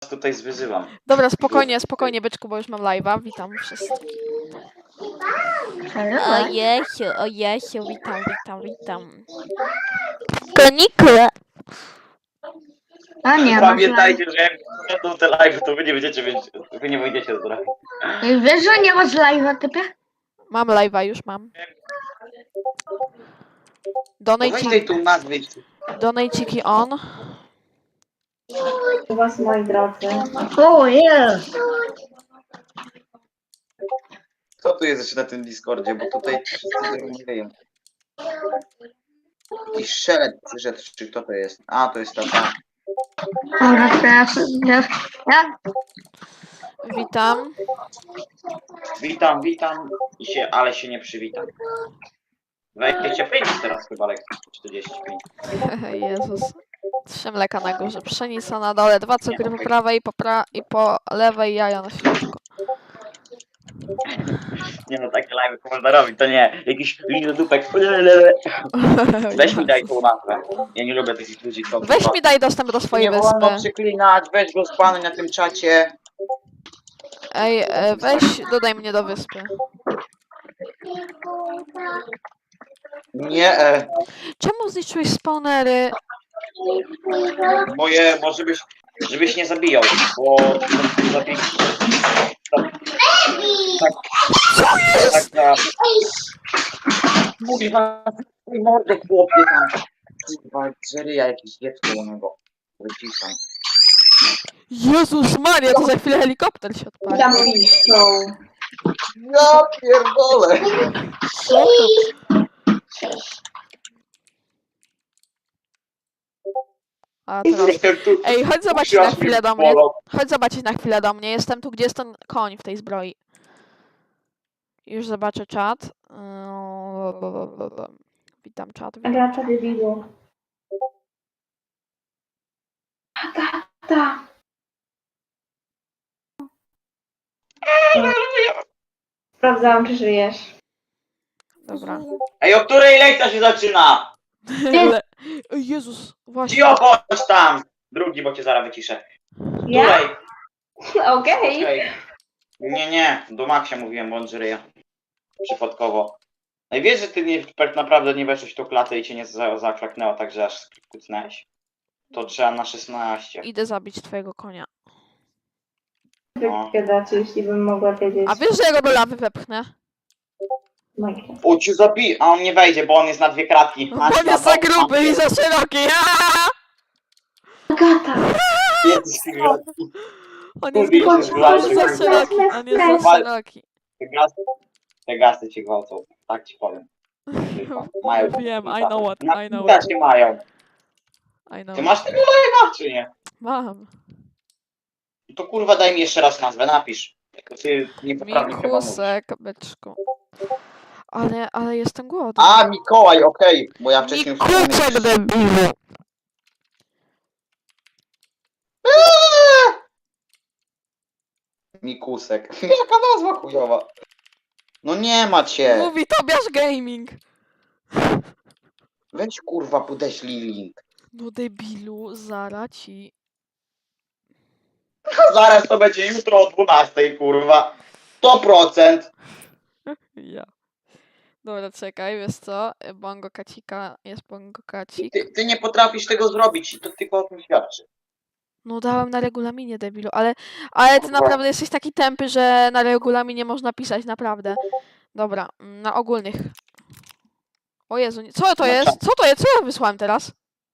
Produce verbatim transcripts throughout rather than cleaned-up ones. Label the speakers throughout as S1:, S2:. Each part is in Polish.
S1: tutaj zwyzywam.
S2: Dobra, spokojnie, spokojnie, byczku, bo już mam live'a. Witam wszystkich. O Jesiu, o Jesiu, witam, witam, witam. Konikle.
S3: A nie, masz
S1: Pamiętajcie, że jak będą te live, to wy nie będziecie wiedzieć, wy nie wyjdziecie z drogi.
S3: live. Wiesz, że nie masz live'a, typie?
S2: Mam live'a, już mam.
S1: No weź
S2: Donate,
S1: tej tu nazwy.
S2: donateciki on.
S4: U was, moi drodzy.
S3: O, jest.
S1: Kto tu jest jeszcze na tym Discordzie, bo tutaj wszyscy zrozumieją. Jakiś szelet przyszedł, czy kto to jest? A, to jest ta ta.
S3: Dobra, teraz ja, ja,
S2: Witam.
S1: Witam, witam, i się, ale się nie przywitam. dwadzieścia pięć teraz chyba, lekko czterdzieści pięć.
S2: Jezus. Trzy mleka na górze, pszenica na dole, dwa cukry po prawej i po, pra i po lewej, jaja na środku.
S1: Nie no, takie live można robić, to nie. Jakiś lizodupek. Weź mi daj tą nazwę. Ja nie lubię takich ludzi, co...
S2: Weź mi daj dostęp do swojej
S1: Nie wolno
S2: wyspy.
S1: przeklinać, weź go spanuj na tym czacie.
S2: Ej, e, weź, dodaj mnie do wyspy.
S1: Nie, e,
S2: Czemu zniszczyłeś spawnery?
S1: moje, bo żebyś, żebyś nie zabijał, bo zabij... Tak, tak, tak, Kurwa, twój mordę chłopie tam. Kurwa, żeryja jakieś dziecko u niego. Wyciszam.
S2: Jezus Maria, to za chwilę helikopter się odpali.
S4: Tam piszą.
S1: Ja pierdolę.
S2: Co to? A teraz... Ej, chodź zobaczyć na chwilę do mnie. Chodź zobaczyć na chwilę do mnie. Jestem tu, gdzie jest ten koń w tej zbroi. Już zobaczę czat. Yy, Witam czat. Witam.
S4: Gracza debilu. Agata! Sprawdzałam, czy żyjesz.
S2: Dobra.
S1: Ej, o której lekcja się zaczyna?
S2: Ale... Ej, Jezus, właśnie.
S1: Cio, chodź tam. Drugi, bo cię zaraz wyciszę.
S4: Ja?
S1: Której?
S4: Okej.
S1: Okej. Nie, nie, do Maxia mówiłem, bo on żyje. Przypadkowo. No i wiesz, że ty nie, tak naprawdę nie weszłeś w tą klatę i cię nie za, zaklaknęło, także aż kucnęłeś. To trzeba na szesnaście.
S2: Idę zabić twojego konia.
S1: No.
S4: Gadać, jeśli bym mogła wiedzieć.
S2: A wiesz, że ja go do lawy wepchnę?
S4: Minecraft.
S1: O, cię zabij, a on nie wejdzie, bo on jest na dwie kratki.
S2: Bo on jest za gruby i za szeroki. Aaaa!
S4: Agata!
S1: Jesteś ty gratki.
S2: On jest,
S1: Kurde,
S2: on
S1: się
S2: jest
S1: zwalczy.
S2: za szeroki. On jest za szeroki.
S1: Te gasy, te gasy cię gwałcą, tak ci powiem. Mają.
S2: Wiem, I know what,
S1: Na
S2: I know
S1: też
S2: what.
S1: nie mają.
S2: I know.
S1: Ty masz tego live'a, czy nie?
S2: Mam.
S1: To kurwa daj mi jeszcze raz nazwę, napisz. Tylko ty niepoprawnie chyba mówisz.
S2: Mikusek, byczku. Ale, ale jestem głodny.
S1: A, Mikołaj, okej, bo ja wcześniej...
S2: Mikuczek debilu.
S1: Eee! Mikusek. Jaka nazwa chujowa. No nie ma cię.
S2: Mówi Tobiasz Gaming.
S1: Weź kurwa podeślij link.
S2: No debilu, zara ci.
S1: Zaraz to będzie jutro o dwunastej kurwa. sto procent.
S2: Ja. Dobra, czekaj, wiesz co? Bongo kacika, jest bongo kacik.
S1: Ty, ty nie potrafisz tego zrobić i to tylko o tym świadczy.
S2: No dałem na regulaminie, debilu, ale, ale ty naprawdę jesteś taki tępy, że na regulaminie można pisać, naprawdę. Dobra, mm, na ogólnych. O Jezu, nie- co to
S1: Na
S2: jest? Co to jest? Co ja wysłałem teraz?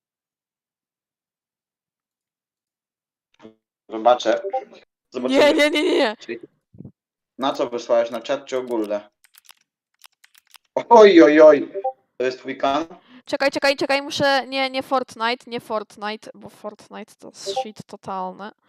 S1: Zobaczę. Zobaczymy.
S2: Nie, nie, nie, nie, nie.
S1: Na co wysłałeś? Na czat czy ogólne? Oj, oj, oj. To jest twój kan?
S2: Czekaj, czekaj, czekaj, muszę... Nie, nie Fortnite, nie Fortnite, bo Fortnite to shit totalne.